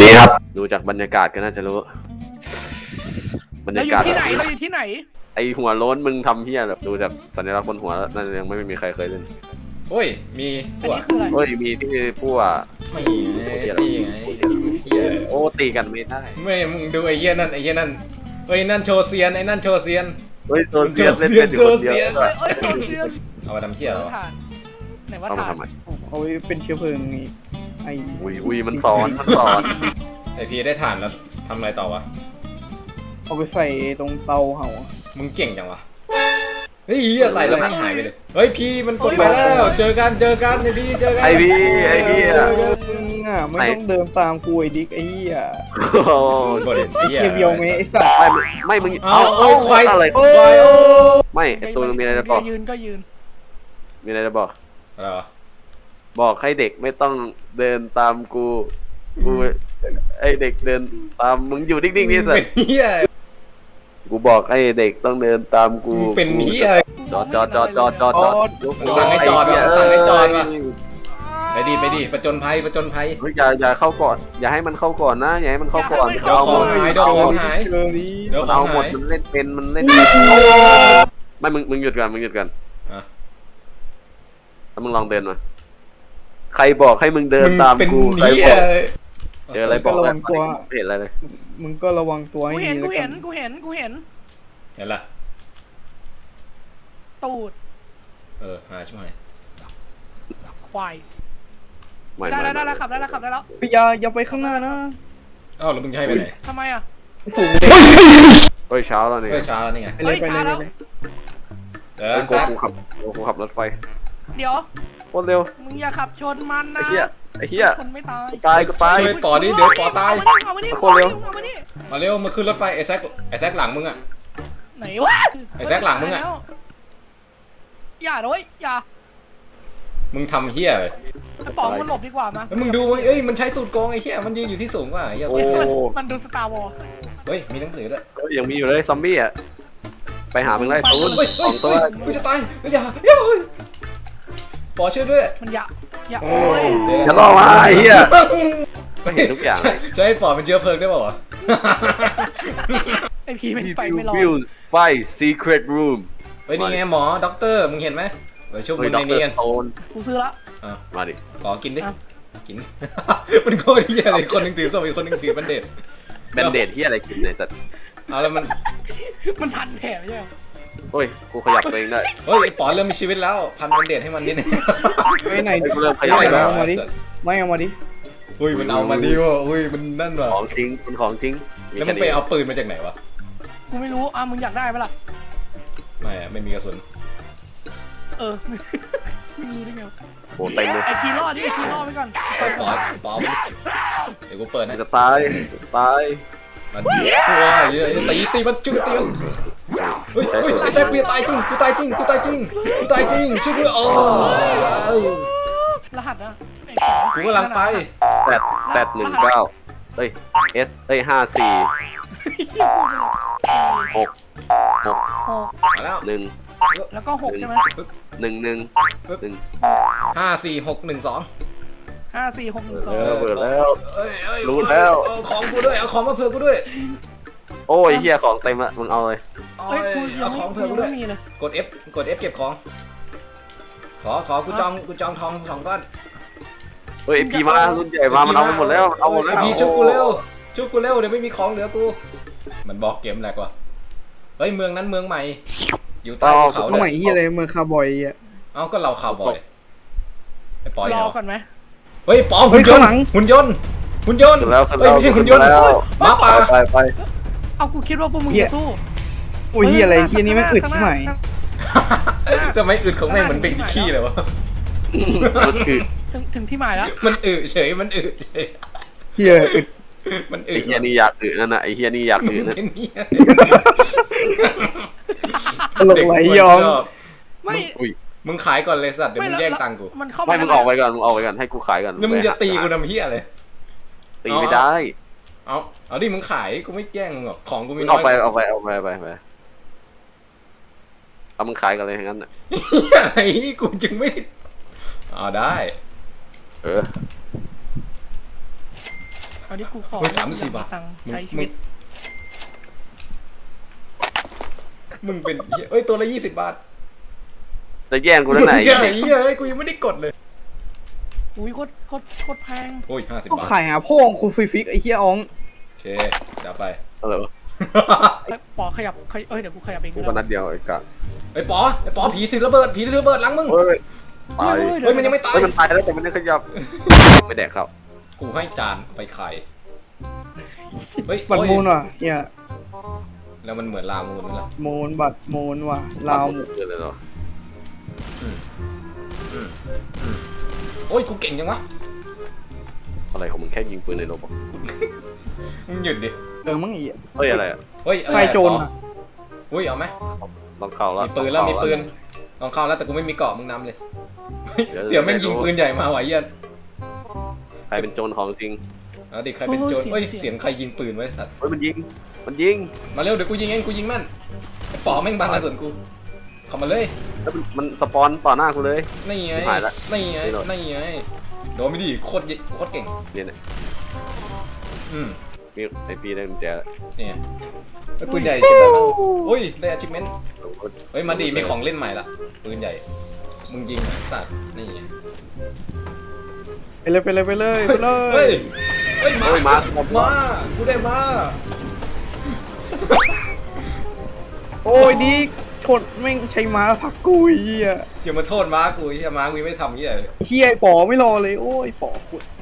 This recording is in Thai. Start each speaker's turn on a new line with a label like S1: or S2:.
S1: นี้ครับดูจากบรรยากาศก็น่าจะรู้บรร
S2: เรา
S1: ยา
S2: อยู่
S1: กาศ
S2: ที่ไหนเราอยู่ที่ไหน
S1: ไอหัวโล้นมึงทำเฮี้ยแบบดูจากสัญลักษณ์บนหัวแล้วน่าจะยังไม่มีใครเคยเล่น
S3: โอ้ยมี
S2: อัน
S3: ตัว
S2: นี้คืออะไร
S1: เฮ้ยมีที่พวก
S3: ไม่ตีไงเหี้ย
S1: โอ้ตีกันไม่ได้
S3: ไม่มึงดูไอ้เหี้ยนั่นไอ้เหี้ยนั่นเฮ้ยนั่นโชว์เซียนไอ้นั่นโชว์เซียน
S1: เฮ้ยโดนเสียเล่นเป็นอยู่คนเดียว
S2: เอ้ยเอ้ยเสียง
S3: เอามาทำเหี้ยเหรอ
S2: ถ่านไหนว่า
S1: ต้องมา
S2: ถ่าน
S1: ทำไม
S4: เอาไว้เป็นเชื้อเพลิงนี่ไอ
S1: อุ้ยมันสอน
S3: ไอพีได้ถ่านแล้วทำอะไรต่อวะ
S4: เอาไปใส่ตรงเตาเห่า
S3: มึงเก่งจังวะเฮ้ยเหี้ยใส่แล้วแม่งหายไปเลยเฮ้ยพีมันกดไปแล้วเจอกันไอพีเจอกัน
S1: ไอพี่อะ
S4: มึงอ่ะไม่ต้องเดินตามกูไอ้ดิ๊กไอ้เหี้ย
S1: โอ้
S3: กด
S4: ไอ้เชียเบียวเมไอ้สัตว์
S1: ไม่มึง
S3: เอาเอ้ยควาย
S1: อะไร
S3: ควายโอ้
S1: ไม่ไอตัวมีอะไรจะบอก
S2: ยืนก็ยืน
S1: มีอะไรจะบอก
S3: อะไรวะ
S1: บอกให้เด็กไม่ต้องเดินตามกูไอเด็กเดินตามมึงอยู่นิ่งๆนี่สิ
S3: เป็นเหี้ย
S1: กูบอกให้เด็กต้องเดินตามกู
S3: เป็นเหี้ย
S1: จอด
S3: สั่งให้จอดว่ะสั่งให้จอดว่ะ ไปดิประจนภัย
S1: เฮ้ยอย่าเข้าก่อนอย่าให้มันเข้าก่อนนะอย่าให้มันเข้าก่อน
S3: เดี๋ยวของหายเดี๋ยวของหาย
S4: เจอนี้
S3: เดี๋ยว
S1: มัน
S3: ขอ
S1: เอา
S3: ง
S1: หมด
S3: หาย
S1: มันเล่นเป็นไม่มึงหยุดก่อน
S3: อ่ะ
S1: แล้วมึงลองเดินมาใครบอกให้มึงเดินตาม
S3: เป็น
S1: กูใคร
S3: เหี้
S1: บ
S3: ย
S1: อกเจออะไรบอกไม่เห็นอะไรเลย
S4: มึงก็ระวังตัวให้
S2: กู
S4: ดี
S2: เห็น
S4: แล้วกัน
S2: กูเห็น
S3: เห็นละ
S2: ตูด
S3: หาช่วย
S2: ควาย
S1: ไม่
S2: ได้แล้วขับได้แล้ว
S4: อย่าไปข้างหน้านะ
S3: อ้าวแล้วมึงจะให้ไปไหน
S2: ทำไมอ่ะ
S4: ฝูงเด็ก
S1: เฮ้ยเช้าแล้วนี่
S3: เฮ้ยช้าแล้วนี่ไง
S4: ไปเลยไปเลย
S3: เดี๋ยว
S1: เฮ้ย
S3: แจ็ค
S1: กูขับรถไฟ
S2: เดี๋ยว
S1: โคตรเร็ว
S2: มึงอย่าขับชนมันนะ
S1: ไอ้เหี้ย
S2: คนไม่ตาย
S1: กูตาย
S3: ช่วยปอดิเดี๋ยวปอตาย
S2: เอามานี่
S1: โคตรเร็ว
S2: เอามานี่
S3: มาเร็วมาขึ้นรถไฟไอ้แซกหลังมึงอ่ะ
S2: ไหนวะ
S3: ไอ้แซคหลังมึงอะ
S2: อย่าด้วยอย่า
S3: มึงทำเหี้ยเลย
S2: ไอ้ป๋องมันหลบดีกว่ามา
S3: แล้วมึงดูเอ้ยมันใช้สูตรโกงไอ้เหี้ยมันยืนอยู่ที่สูงกว่าเหี้ย
S1: โอ้
S2: มันดูสตาร์วอล
S3: เฮ้ยมีหนังสือด้วย
S1: ยังมีอยู่เลยซอมบี้อ่ะไปหามึงไล่ตูน
S3: เฮ้ย
S1: สองตัว
S3: กูจะตายอย่าปอช่วยด้วย
S2: มันอย่า
S1: โอ้ยอย่าล่อมาไอ้เหี้ยก็เห็นทุกอย่าง
S3: ใช้ปอเป็นเชื้อเพลิงได้ป่าวะ
S2: ไอพีไม่ไปไม่รอด
S1: วิวไฟ secret room
S3: เฮ้ยนี่ไงหมอด็อกเตอร์มึงเห็นไหมเดี๋ยวชุบ
S1: เฮ้
S3: มึ
S1: ย
S3: ง
S1: ด็
S3: ใน
S1: อกเตอ
S3: นี้
S1: ร์
S3: กัน
S1: สโตน
S2: กูซื้อละ
S1: มาดิ
S3: ขอกินดิ
S2: อ่ะ
S3: กิน มันโคตรเหี้ยเลยคนหนึงถือส้มอีกคนหนึงถือบันเด็ด
S1: แบนเดดที่อะไรกินเนี่ยสัตว์
S3: เอาแล้วมัน
S2: มันพันแผลไม่ใช่เหรอ
S1: โอ้ยกูขยับตัวเองได้
S3: เฮ้ยไอ้ปอเริ่มมีชีวิตแล้วพันบันเด็ดให้มันนิดนึง
S4: ไปไหน
S1: กูเริ่มขยับ
S4: ไม่
S1: แล้ว
S4: เอามาดิไม่เอามาดิ
S3: อุ้ยมันเอามาดิวะอุ้ยมันนั่นว่ะ
S1: ของจริงเป็นของจริง
S3: แล้วมึงไปเอาปืนมาจากไหนวะ
S2: กูไม่รู้มึงอยากได้ปะล่ะ
S3: ไม่มีกระสุน
S2: ไม่มีได้ไง
S1: โหเต็มเลย
S2: ไอพีรอดไว้ก่อน
S3: ปอเดี๋ยวกูเปิดให้
S1: จะตายตาย
S3: มันตัวเยอะตีมันจุดตีมันเฮ้ยไอ้แซคกูจะตายจริงช่วยด้วยอ๋อ
S2: รหัสนะ
S3: กูกำลังไป
S1: Z19เอ้ย S เอ้ย54 6
S3: มาแล้ว
S1: 1
S2: แล้วก็6ใช่ไหม
S1: 1
S3: 54612
S2: 5461
S1: เออเปิดแล้ว
S3: เอ้ย
S1: รู้แล้ว
S3: เอาของกูด้วยเอาของมาเผื่อกูด้วย
S1: โอ้ยเฮียของเต็มละมึงเอาเลย
S2: เฮ้ยกูยั
S3: เอา
S2: ง
S3: ของเผื่อกู
S2: ไม่
S3: ด้วย
S2: มีเลย
S3: กด F เก็บของขอกูจองทอง2ก้อน
S1: เฮ้ยพีมารุ่นใหญ่มามันเอาไปหมดแล้วเอาหมดแล้ว
S3: พี่ชุบกูเร็วเดี๋ยวไม่มีของเหลือกูมันบอกเกมแหลกว่ะเฮ้ยเมืองนั้นเมืองใหม่อยู่ใต้ภูเขา
S4: เอาใหม่ที่อะไรเมืองคาร์บอยอ่ะ
S3: เอ้าก็เราข่าวบ่อยไอ้ปอย
S2: ร
S3: เห
S2: อ
S3: รอ
S2: ก่อนไหม
S3: เฮ้ยปอหุ่นยนต์หุ่นยนต์
S1: ขึ้นแล้ว
S3: เฮ้ยไม่ใช่หุ่นยนต์
S1: แล้ว
S3: หมาป่า
S1: ไป
S2: เอากูคิดว่าพวกมึงจะสู้
S4: โอ้ยเฮียอะไรเฮียนี่ไม่อึดที่ไหน
S3: ทำไมอึดของแม่งเหมือนเป็นขี้เลยวะ
S1: มันคือ
S2: ถึงที่หมายแล้ว
S3: มันอึเฉยมันอึเฉย
S4: เฮียอึด
S3: มันอึ
S1: ไอ้เฮียนี่อยากอึนั่นน่ะไอ้เฮียนี่อยากอึนั่น
S3: เป็นเนี่ย
S4: ตลกไหลยอม
S2: ไม่
S1: อุ้ย
S3: มึงขายก่อนเลยสัตว์เดี๋ยวมึงแย่งตังค์กู
S2: มันเข้า
S1: ไม่มึงออกไปก่อนให้กูขายก่อน
S3: แล้วมึงจะตีกูทำเหี้ยเลย
S1: ตีไม่ได้
S3: เอาดิมึงขายกูไม่แย่งมึงหรอกของกูมี
S1: มึง
S3: น้
S1: อ
S3: อ
S1: อย กไปเอามึงขายกันเลยงั้นน่ะ
S3: ไอ้กูจึงไม่ได้
S1: เออ
S2: อนนี้กูขอ
S3: เฮ้ย34 บาท
S2: ตังค์
S3: มึง
S2: ใช้ชีวิต
S3: มึงเป็นเหี้ยเอ้ยตัวละ20 บาท
S1: จะแย่งกูแล้วไหน
S3: เหี้ยไอ้เหี้ยเอ้ยกูยังไม่ได้กดเลย
S2: อุ้ยโคตรแพง
S3: โอ้ย50
S4: ก็
S3: บาท
S4: ขายหาพ่อของกูฟรีฟิกไอ้เหี้ยอ๋อง
S3: โอเคเดี๋ยวไป
S1: อะไรวะ
S2: เอ้ยปอขยับเดี๋ยวกูขยับเอง
S1: กู
S2: ก็
S1: ก็
S2: ได้
S1: นัดเดียวไอ้กะ
S3: ไอ้ปอผีถือระเบิดหลังมึง
S1: เฮ้ยตาย
S3: เฮ้ยมันยังไม่ตาย
S1: เฮ้ยมันตายแล้วแต่มันยังขยับไม่แดกครับ
S3: กูให้จานไปขายเฮ้ย
S4: บัตร
S3: โอ้ย
S4: มูลว่ะเหี้ย
S3: แล้วมันเหมือนลามูนไหมล่ะ
S4: มูลบัตรมูลว่ะลาว
S1: หมดเลยเหรอ
S3: โอ้ยกูเก่งจังวะ
S1: อะไรของมึงแค่ยิงปืนในรถบอก
S3: มึงหยุดดิ
S4: มั้งไอ้เหี้ย
S1: เฮ้ยอะไรอ่ะ
S3: เฮ้ยอะไร
S4: ไฟโจร
S3: ปอ
S4: อ่ะ
S3: อุ้ยเอาไหม
S1: ลองเข้าแล้ว
S3: มีปืนแล้วมีปืนลองเข้าแล้วแต่กูไม่มีเกราะมึงนำเลยเสี่ยวแม่งยิงปืนใหญ่มาไหวะเหี้ยัน
S1: ใครเป็นโจรของจริง
S3: เอาดิใครเป็นโจรเฮ้ยเสียงใครยิงปืนไว้สัตว์
S1: เฮ้ยมันยิง
S3: มาเร็วเดี๋ยวกูยิงเองกูยิงแม่นไอ้ป๋อแม่งบางส่วนกูเข้ามาเลย
S1: แล้วมันสปอนต่อหน้ากูเลย
S3: นี่ไง
S1: หายละ
S3: นี่ไง
S1: นี่หรอ
S3: นี่ไงโดนไม่ดีโคตรเก่ง
S1: เนี่ยนะ
S3: อืม
S1: มีไอปีได้กุญแจแล้ว
S3: นี่ไงไอ้ปืนใหญ่เก็บได้บ้างอุ้ยได้ achievement เฮ้ยมาดีมีของเล่นใหม่ละปืนใหญ่มึงยิงไอ้สัตว์นี่ไง
S4: ไปเลย
S3: เฮ้ยเฮ้ย
S1: เฮ้ยมา
S3: มากูได้มา
S4: โอ้ยดีชนแม่งใช้ม้าผลักกูไอ้เหี้ย
S3: อย่ามาโทษม้ากูไอ้เหี้ยม้ากูยังไม่ทำเหี้ยเลย
S4: เหี้ยไอ้ป๋อไม่รอเลยโอ้ยป๋อกู